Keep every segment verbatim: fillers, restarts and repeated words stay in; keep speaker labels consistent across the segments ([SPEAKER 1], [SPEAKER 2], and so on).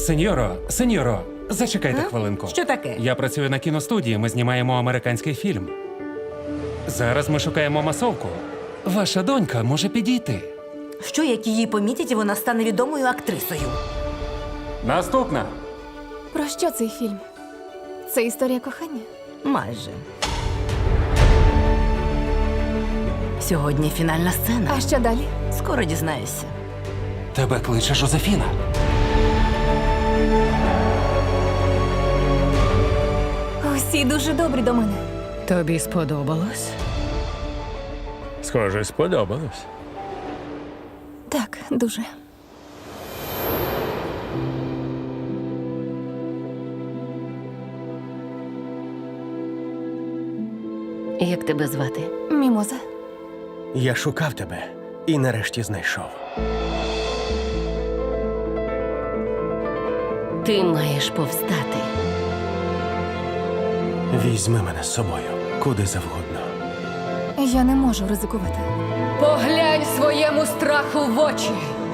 [SPEAKER 1] Сеньоро, сеньоро, зачекайте хвилинку.
[SPEAKER 2] Що таке?
[SPEAKER 1] Я працюю на кіностудії, ми знімаємо американський фільм. Зараз ми шукаємо масовку. Ваша донька може підійти.
[SPEAKER 2] Що, як її помітять, і вона стане відомою актрисою?
[SPEAKER 1] Наступна.
[SPEAKER 3] Про що цей фільм? Це історія кохання?
[SPEAKER 2] Майже. Сьогодні фінальна сцена.
[SPEAKER 3] А що далі?
[SPEAKER 2] Скоро дізнаєшся.
[SPEAKER 1] Тебе кличе Жозефіна.
[SPEAKER 3] Усі дуже добрі до мене.
[SPEAKER 4] Тобі сподобалось?
[SPEAKER 5] Схоже, сподобалось.
[SPEAKER 3] Так, дуже.
[SPEAKER 6] Як тебе звати?
[SPEAKER 3] Мімоза.
[SPEAKER 7] Я шукав тебе і нарешті знайшов.
[SPEAKER 6] Ти маєш повстати.
[SPEAKER 7] Візьми мене з собою, куди завгодно.
[SPEAKER 3] Я не можу ризикувати.
[SPEAKER 4] Поглянь своєму страху в очі.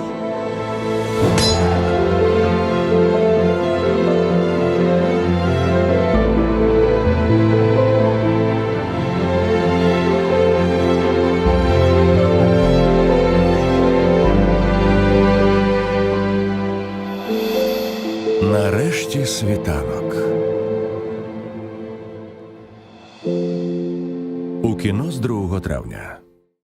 [SPEAKER 8] Нарешті світанок. У кіно з другого травня.